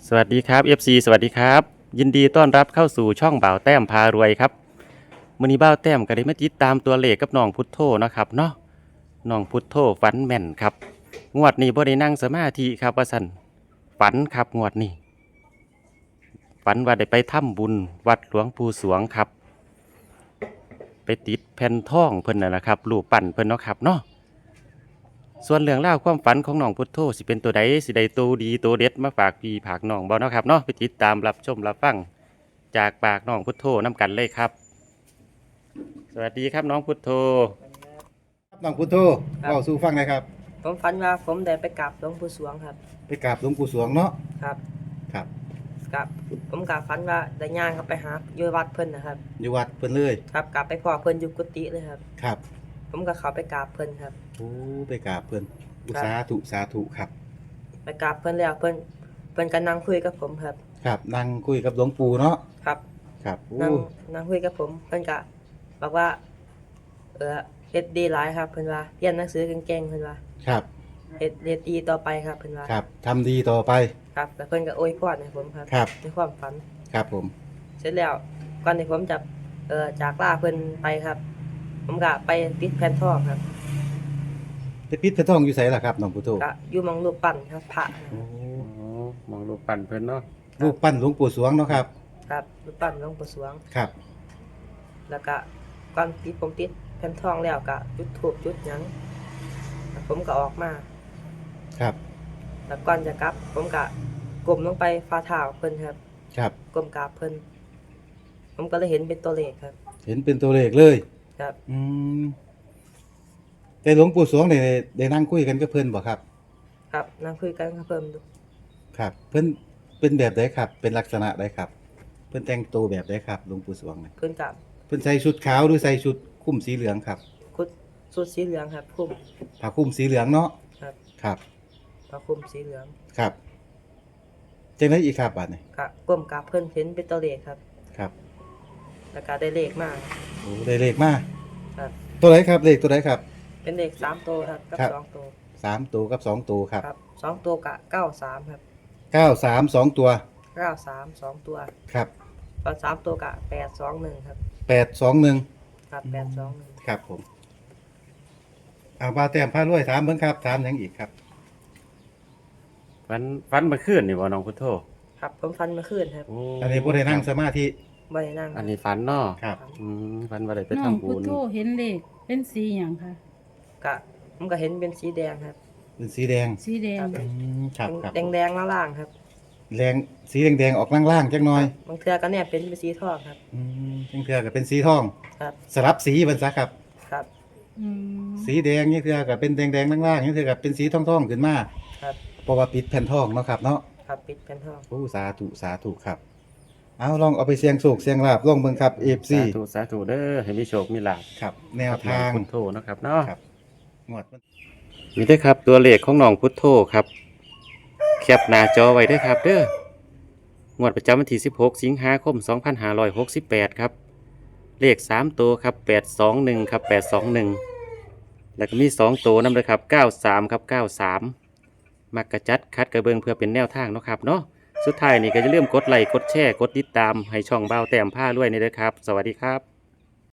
สวัสดีครับ FC สวัสดีครับยินดีต้อนรับเข้าสู่ช่องบ่าวแต้มพารวยครับมื้อนี้บ่าวแต้มก็ได้มาติดตามตัวเลขกับน้องพุทโธนะครับเนาะน้องพุทโธฝันแม่นครับงวดนี้บ่ได้นั่งสมาธิครับว่าซั่นฝันครับงวดนี้ฝันว่าได้ไปทำบุญวัดหลวงปู่สวงครับไปติดแผ่นทองเพิ่นน่ะนะครับรูปปั้นเพิ่นเนาะครับเนาะส่วนเรื่องราวความฝันของน้องพุทโธสิเป็นตัวใดสิได้ตัวดีตัวเด็ดมาฝากพี่ฝากน้องบ่เนาะครับเนาะไปติดตามรับชมรับฟังจากปากน้องพุทโธน้ำกันเลยครับสวัสดีครับน้องพุทโธครับน้องพุทโธเล่าสู่ฟังหนะครับผมฝันว่าผมได้ไปกราบหลวงปู่สวงครับไปกราบหลวงปู่สวงเนาะครับครับกับผมกราบฝันว่าได้ย่างเข้าไปหาอยู่วัดเพิ่นนะครับอยู่วัดเพิ่นเลยครับกราบไปพ่อเพิ่นอยู่กุฏิเลยครับครับผมก็เข้าไปกราบเพิ่นครับโอ้ไปกราบเพิ่นสาธุสาธุครับไปกราบเพิ่นแล้วเพิ่นก็นั่งคุยกับผมครับครับนั่งคุยกับหลวงปู่เนาะครับครับโอ้นั่งคุยกับผมเพิ่นก็บอกว่าเฮ็ดดีหลายครับเพิ่นว่าเรียนหนังสือเก่งๆเพิ่นว่าครับเฮ็ดดีต่อไปครับเพิ่นว่าครับทำดีต่อไปครับแล้วเพิ่นก็อวยพรให้ผมครับครับในความฝันครับผมเสร็จแล้วก่อนที่ผมจะจากลาเพิ่นไปครับผมก็ไปปิดแผ่นทองครับไปปิดพระทองอยู่ไสล่ะครับน้องพุทโธก็อยู่หม้องรูปปั้นครับพระโอ้มองรูปปั้นเพิ่นเนาะรูปปั้นหลวงปู่สวงเนาะครับครับรูปปั้นหลวงปู่สวงครับแล้วก็ก่อนที่ผมปิดแผ่นทองแล้วก็จุดธูปจุดหยังแล้วผมก็ออกมาครับแล้วก่อนจะกลับผมก็ก้มลงไปฝ่าเท้าเพิ่นครับครับก้มกราบเพิ่นผมก็เลยเห็นเป็นตัวเลขครับเห็นเป็นตัวเลขเลยครับแต่หลวงปู่สวงได้นั่งคุยกันกับเพิ่นบ่ครับครับนั่งคุยกันกับเพิ่นดูครับเพิ่นเป็นแบบใดครับเป็นลักษณะใดครับเพิ่นแต่งตัวแบบใดครับหลวงปู่สวงเนี่ยเพิ่นก็เพิ่นใส่ชุดขาวหรือใส่ชุดคลุมสีเหลืองครับชุดสีเหลืองครับคลุมผ้าคลุมสีเหลืองเนาะครับครับผ้าคลุมสีเหลืองครับจังได๋อีกครับบัดนี้ก็ก้มกราบเพิ่นเห็นเป็นตัวเลขครับครับแล้วก็ได้เลขมาโอ้ได้เลขมาครับตัวไหนครับเลขตัวไหนครับเป็นเลข3ตัวครับกับ2ตัว 3ตัวกับ2ตัวครับครับ2ตัวก็93ครับ 93 2ตัว 93 2ตัวครับตอน3ตัวก็821ครับ 821 ครับ821 ครับผมเอาว่าแต้มพารวยถามเบิ่งครับถามหยังอีกครับฝันเมื่อคืนนี่บ่น้องพุทโธครับผมฝันเมื่อคืนครับอันนี้บ่ได้นั่งสมาธิบ่ได้นั่งอันนี้ฝันเนาะครับฝันว่าได้ไปน้องทำบุพุทญโธเห็นเลขเป็นสีหยังคะก็ผมก็เห็นเป็นสีแดงครับเป็นสีแดงสีแดงครับครับแดงๆล่างๆครับแดงสีแดงๆออกล่างๆจักหน่อยบางเทื่อก็เนี่ยเป็นสีทองครับบางเทื่อก็เป็นสีทองครับสลับสีเพิ่นซะครับครับสีแดงนี่เทื่อก็เป็นแดงๆล่างๆนี่เทื่อก็เป็นสีทองๆขึ้นมาครับเพราะว่าปิดแผ่นทองเนาะครับเนาะครับปิดแผ่นทองโอ้สาธุสาธุครับเอาลองเอาไปเสี่ยงโชคเสี่ยงลาภลองเบิ่งครับ FC สาธุเด้อให้มีโชคมีลาภครับแนวทางพุทโธนะครับเนาะครับงวดมีได้ครับตัวเลขของน้องพุทโธครับแคปหน้าจอไว้ด้วยครับเด้องวดประจำวันที่16สิงหาคม2568ครับเลข3ตัวครับ821ครับ821แล้วก็มี2ตัวนำเลยครับ93ครับ93มักกระจัดคัดกระเบิงเพื่อเป็นแนวทางเนาะครับเนาะสุดท้ายนี่ก็จะเริ่าลืมกดไลค์กดแชร์กดติดตามให้ช่องบ่าวแต้มผ้ารวยนี่เด้อครับสวัสดีครับ